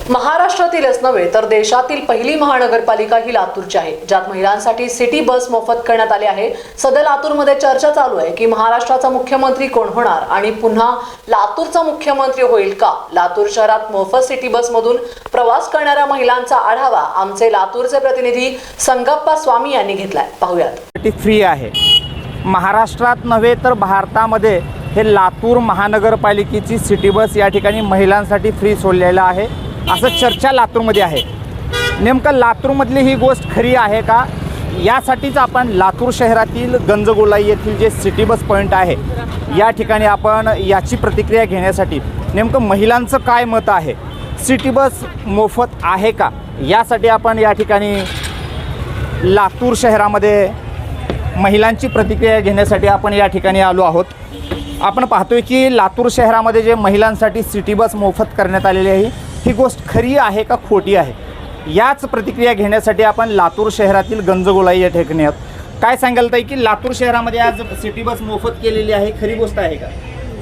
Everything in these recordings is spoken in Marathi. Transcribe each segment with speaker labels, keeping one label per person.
Speaker 1: महाराष्ट्रातीलच नव्हे तर देशातील पहिली महानगरपालिका ही लातूरची आहे, ज्यात महिलांसाठी सिटी बस मोफत करण्यात आली आहे। सध्या लातूरमध्ये चर्चा चालू आहे की महाराष्ट्राचा मुख्यमंत्री कोण होणार आणि पुन्हा लातूरचा मुख्यमंत्री होईल का। लातूर शहरात मोफत सिटी बस मधून प्रवास करणाऱ्या महिलांचा आढावा आमचे लातूरचे प्रतिनिधी संगप्पा स्वामी यांनी घेतलाय, पाहूयात।
Speaker 2: फ्री आहे महाराष्ट्रात नव्हे तर भारतामध्ये हे लातूर महानगरपालिकेची सिटी बस या ठिकाणी महिलांसाठी फ्री सोडलेला आहे असं चर्चा लातूरमध्ये आहे। नेमकं लातूरमधली ही गोष्ट खरी आहे का, यासाठीच आपण लातूर शहरातील गंजगोलाई येथील जे सिटी बस पॉईंट आहे या ठिकाणी आपण याची प्रतिक्रिया घेण्यासाठी नेमकं महिलांचं काय मत आहे, सिटी बस मोफत आहे का, यासाठी आपण या ठिकाणी लातूर शहरामध्ये महिलांची प्रतिक्रिया घेण्यासाठी आपण या ठिकाणी आलो आहोत। आपण पाहतोय की लातूर शहरामध्ये जे महिलांसाठी सिटी बस मोफत करण्यात आलेली आहे ही गोष्ट खरी आहे का खोटी आहे, याच प्रतिक्रिया घेण्यासाठी आपण लातूर शहरातील गंजगोलाई या ठिकाणी आहोत। काय सांगाल ताई की लातूर शहरामध्ये आज सिटी बस मोफत केलेली आहे, खरी गोष्ट आहे का?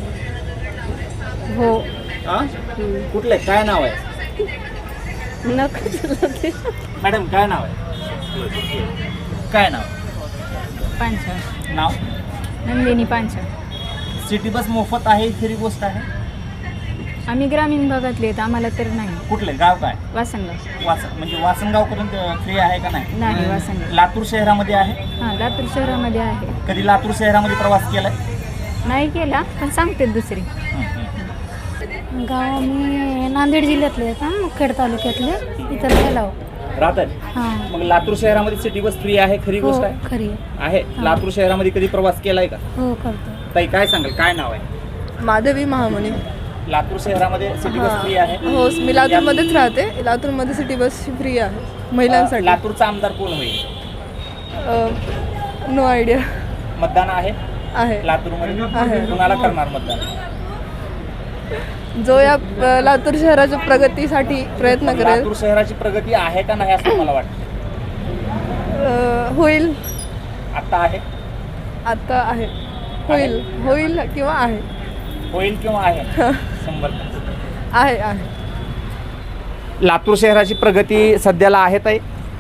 Speaker 3: हो।
Speaker 2: कुठले काय नाव आहे मॅडम, काय नाव आहे, काय नाव?
Speaker 3: पांचा
Speaker 2: नाव
Speaker 3: नंदिनी पांचा।
Speaker 2: सिटी बस मोफत आहे, खरी गोष्ट आहे?
Speaker 3: आम्ही ग्रामीण भागातले आहेत, आम्हाला तर नाही।
Speaker 2: कुठले गाव काय?
Speaker 3: वासनगाव।
Speaker 2: म्हणजे वासनगाव करून फ्री आहे का नाही?
Speaker 3: नाही, वासनगाव।
Speaker 2: लातूर शहरामध्ये आहे?
Speaker 3: हां, लातूर शहरामध्ये आहे।
Speaker 2: कधी लातूर शहरामध्ये प्रवास केलाय?
Speaker 3: नाही केला, पण सांगते दुसरी।
Speaker 4: गाव मी नांदेड जिल्ह्यातले आहेत, मुखेड तालुक्यातले, इतर गेलाव
Speaker 2: राहतात।
Speaker 4: हां,
Speaker 2: मग लातूर शहरामध्ये सिटी बस फ्री आहे, खरी गोष्ट
Speaker 4: हो,
Speaker 2: आहे?
Speaker 4: खरी
Speaker 2: आहे। लातूर शहरामध्ये कधी प्रवास केलाय का?
Speaker 4: हो, करतो।
Speaker 2: ताई काय सांगाल, काय नाव आहे?
Speaker 5: माधवी महामुनी।
Speaker 2: लातूर शहरामध्ये सिटी बस फ्री आहे?
Speaker 5: हो, मी लातूरमध्येच राहते। लातूरमध्ये सिटी बस फ्री आहे महिलांसाठी।
Speaker 2: लातूरचा आमदार कोण होईल?
Speaker 5: No idea.
Speaker 2: मतदान आहे
Speaker 5: आहे
Speaker 2: लातूरमध्ये?
Speaker 5: आहे।
Speaker 2: कुणाला करणार मतदान?
Speaker 5: जो या लातूर शहराच्या प्रगतीसाठी प्रयत्न करेल।
Speaker 2: लातूर शहराची प्रगती आहे का नाही असं मला वाटतं?
Speaker 5: होईल।
Speaker 2: आता आहे?
Speaker 5: आता आहे, होईल, होईल किंवा आहे,
Speaker 2: होईल किंवा आहे 100%?
Speaker 5: आहे आहे।
Speaker 2: लातूर शहराची प्रगती सध्याला आहे ताई?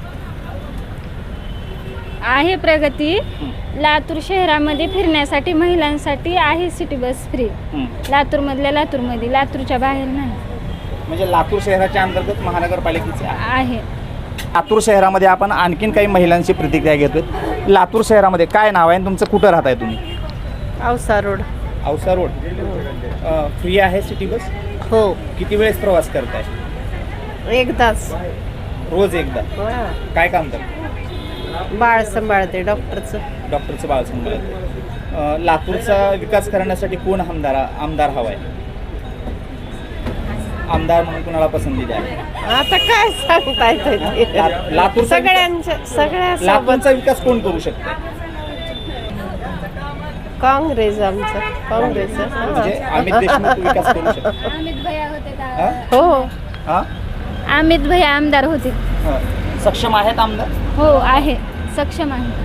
Speaker 3: आहे प्रगती। लातूर शहरामध्ये फिरण्यासाठी महिलांसाठी आहे सिटी बस फ्री। लातूरमधल्या लातूरमध्ये, लातूरच्या बाहेर नाही।
Speaker 2: म्हणजे लातूर शहराच्या अंतर्गत महानगरपालिकेचे
Speaker 3: आहे।
Speaker 2: लातूर शहरामध्ये आपण आणखीन काही महिलांची प्रतिक्रिया घेतोय। लातूर शहरामध्ये काय नाव आहे आणि तुमचं कुठं राहताय तुम्ही?
Speaker 5: Ausa road.
Speaker 2: Ausa road free आहे सिटी बस?
Speaker 5: हो,
Speaker 2: किती वेळेस प्रवास करताय?
Speaker 5: 1 तास।
Speaker 2: रोज एकदा? काय काम करता?
Speaker 5: बाळ सांभाळते, डॉक्टरचं
Speaker 2: बाळ सांभाळते। लातूरचा विकास करण्यासाठी कोण आमदार हवा आहे? आमदार म्हणून कोणाला पसंती द्या?
Speaker 5: आता काय सांगता येतं,
Speaker 2: लातूरचा
Speaker 5: सगळ्या
Speaker 2: लातूरचा विकास कोण करू शकतो?
Speaker 5: काँग्रेस, आमचं काँग्रेस।
Speaker 2: म्हणजे अमित देशमुख विकास करू शकतो?
Speaker 3: अमित भैया होते,
Speaker 5: हो,
Speaker 2: हा?
Speaker 3: अमित भैया आमदार होते।
Speaker 2: सक्षम आहेत आमदार?
Speaker 3: हो, आहे, सक्षम आहे।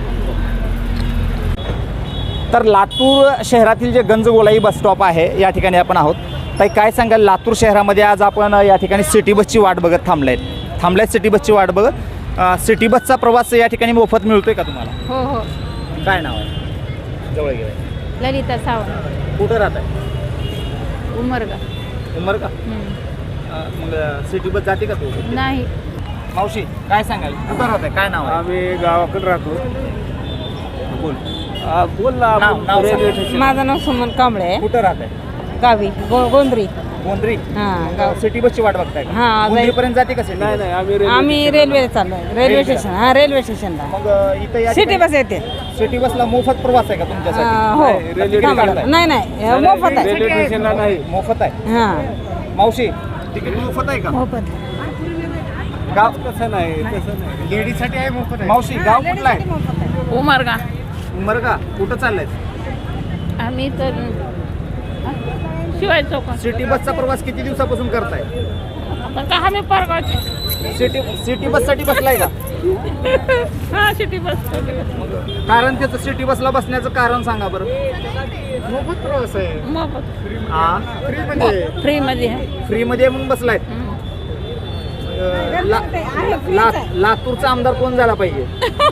Speaker 2: तर लातूर शहरातील जे गंजगोलाई बस स्टॉप आहे या ठिकाणी आपण आहोत। ताई काय सांगाल, लातूर शहरामध्ये आज आपण या ठिकाणी सिटी बसची वाट बघत थांबलाय सिटी बसची वाट बघत। सिटी बसचा प्रवास या ठिकाणी मोफत मिळतोय का तुम्हाला?
Speaker 3: हो हो।
Speaker 2: काय नाव आहे? जवळ गेलं।
Speaker 3: ललिता सावंत।
Speaker 2: कुठं राहत आहे?
Speaker 3: उमरगा।
Speaker 2: का? मग सिटी बस जाते का तू?
Speaker 3: नाही।
Speaker 2: मावशी काय सांगाल, कुठं राहत आहे, काय नाव आहे?
Speaker 6: आम्ही गावाकडे राहतो।
Speaker 2: बोल
Speaker 6: बोल ना।
Speaker 2: नाव
Speaker 6: रेल्वे स्टेशन।
Speaker 7: माझं नाव सुमन कांबळे आहे,
Speaker 2: कुठं राहत आहे?
Speaker 7: गावी गोंद्री।
Speaker 2: गोंद्री?
Speaker 7: हां, गाव।
Speaker 2: सिटी बसची वाट बघताय का?
Speaker 7: हां,
Speaker 2: गोंद्रीपर्यंत जाते का सिटी?
Speaker 6: नाही नाही,
Speaker 7: आम्ही रेल्वे चाललो आहे, रेल्वे स्टेशन। हां, रेल्वे स्टेशनला
Speaker 2: मग इथं या
Speaker 7: सिटी
Speaker 2: ठिकाणी
Speaker 7: बस येते।
Speaker 2: सिटी बसला मोफत प्रवास आहे का तुमच्यासाठी?
Speaker 7: हो,
Speaker 6: रेल्वे
Speaker 7: थांबा. नाही नाही, मोफत आहे।
Speaker 6: रेल्वे स्टेशनला नाही।
Speaker 2: मोफत आहे?
Speaker 7: हां,
Speaker 2: मावशी तिकीट मोफत आहे का?
Speaker 4: मोफत।
Speaker 2: गाव
Speaker 6: तसं नाही, तसं नाही,
Speaker 2: लेडीजसाठी आहे मोफत आहे? मावशी गाव कुठला आहे?
Speaker 3: उमरगा।
Speaker 2: उमरगा? कुठं चाललंय?
Speaker 3: आम्ही तर शिवाय चौक।
Speaker 2: सिटी बसचा प्रवास किती दिवसापासून करताय?
Speaker 3: का आम्ही परगावचे।
Speaker 2: सिटी बससाठी बसलाय का?
Speaker 3: हां, सिटी बस।
Speaker 2: कारण त्याचं सिटी बसला बसण्याचं कारण सांगा बरं।
Speaker 6: मोफत प्रवास आहे।
Speaker 3: मोफत
Speaker 2: हा,
Speaker 6: फ्री मध्ये
Speaker 3: फ्री मध्ये आहे।
Speaker 2: फ्री मध्ये म्हणून बसलाय? लातूरचा आमदार कोण झाला पाहिजे?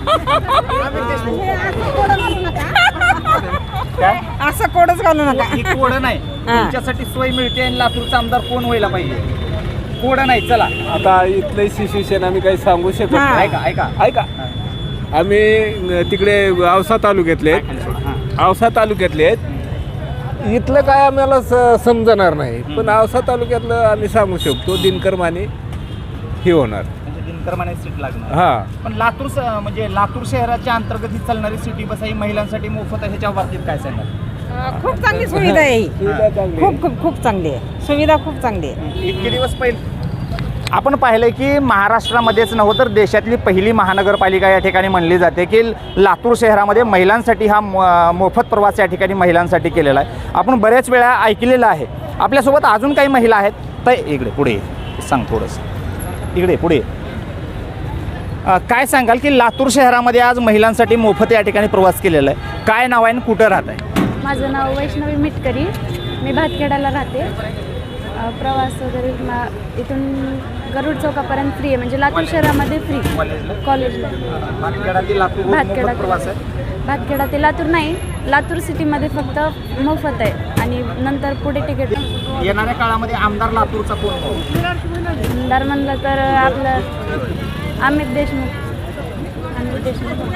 Speaker 2: काय
Speaker 7: असं कोडच घालू नका.
Speaker 2: ही कोड नाही, तुमच्यासाठी सोय मिळते आणि लातूरचा आमदार कोण व्हायला पाहिजे? कोड नाही. चला
Speaker 6: आता इथलं सिच्युएशन आम्ही काही सांगू शकत नाही.
Speaker 2: ऐका ऐका
Speaker 6: ऐका, आम्ही तिकडे औसा तालुक्यातले औसा तालुक्यातले आहेत. इथलं काय आम्हाला समजणार नाही, पण औसा तालुक्यातलं आम्ही सांगू शकतो. दिनकर माने हे होणार.
Speaker 2: म्हणजे दिनकर माने सीट लागणार.
Speaker 6: हा,
Speaker 2: पण लातूर म्हणजे लातूर शहराच्या अंतर्गत ही चालणारी सिटी बस ही महिलांसाठी मोफत आहे, ह्याच्या बाबतीत काय सांगाल?
Speaker 7: खूप चांगली सुविधा आहे ही.
Speaker 6: सुविधा चांगली.
Speaker 7: खूप खूप खूप चांगली आहे, सुविधा खूप चांगली आहे.
Speaker 2: इतके दिवस पहिले आपण पाहिलं की महाराष्ट्रामध्येच नव्हतं तर देशातली पहिली महानगरपालिका या ठिकाणी म्हणली जाते की लातूर शहरामध्ये महिलांसाठी हा मोफत प्रवास या ठिकाणी महिलांसाठी केलेला आहे. आपण बऱ्याच वेळा ऐकलेलं आहे. आपल्यासोबत अजून काही महिला आहेत. तर इकडे पुढे सांग थोडंसं, इकडे पुढे काय सांगाल की लातूर शहरामध्ये आज महिलांसाठी मोफत या ठिकाणी प्रवास केलेला आहे? काय नाव आहे आणि कुठं राहत आहे?
Speaker 3: माझं नाव वैष्णवी मिटकरी, मी भातखेडाला राहते. प्रवास वगैरे इथून गरुड चौकापर्यंत फ्री आहे, म्हणजे लातूर शहरामध्ये फ्री. कॉलेजला भातखेडा
Speaker 2: प्रवास आहे.
Speaker 3: भातखेडा ते लातूर नाही, लातूर सिटीमध्ये फक्त मोफत आहे आणि नंतर पुढे तिकीट.
Speaker 2: येणाऱ्या काळामध्ये आमदार लातूरचा कोण होईल?
Speaker 3: आमदार म्हणलं तर आपलं अमित देशमुख.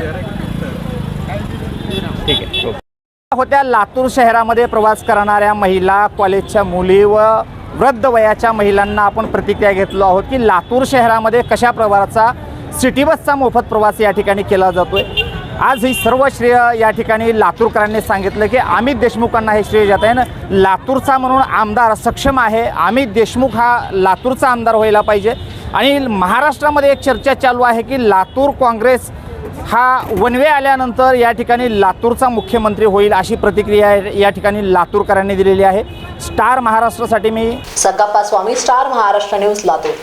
Speaker 2: ठीक आहे. होत्या लातूर शहरामध्ये प्रवास करणाऱ्या महिला, कॉलेजच्या मुली व वृद्ध वयाच्या महिलांना आपण प्रतिक्रिया घेतलो आहोत की लातूर शहरामध्ये कशा प्रकारचा सिटी बसचा मोफत प्रवास या ठिकाणी केला जातोय. आज ही सर्व श्रेय या ठिकाणी लातूरकरांनी सांगितलं की अमित देशमुखांना हे श्रेय जात आहे ना. लातूरचा म्हणून आमदार सक्षम आहे. अमित देशमुख हा लातूरचा आमदार व्हायला पाहिजे. आणि महाराष्ट्रामध्ये एक चर्चा चालू आहे की लातूर काँग्रेस हा वनवे आल्यानंतर या ठिकाणी लातूरचा मुख्यमंत्री होईल अशी प्रतिक्रिया या ठिकाणी लातूरकरांनी दिलेली आहे. स्टार महाराष्ट्रासाठी मी
Speaker 1: सकाप्पा स्वामी, स्टार महाराष्ट्र न्यूज, लातूर.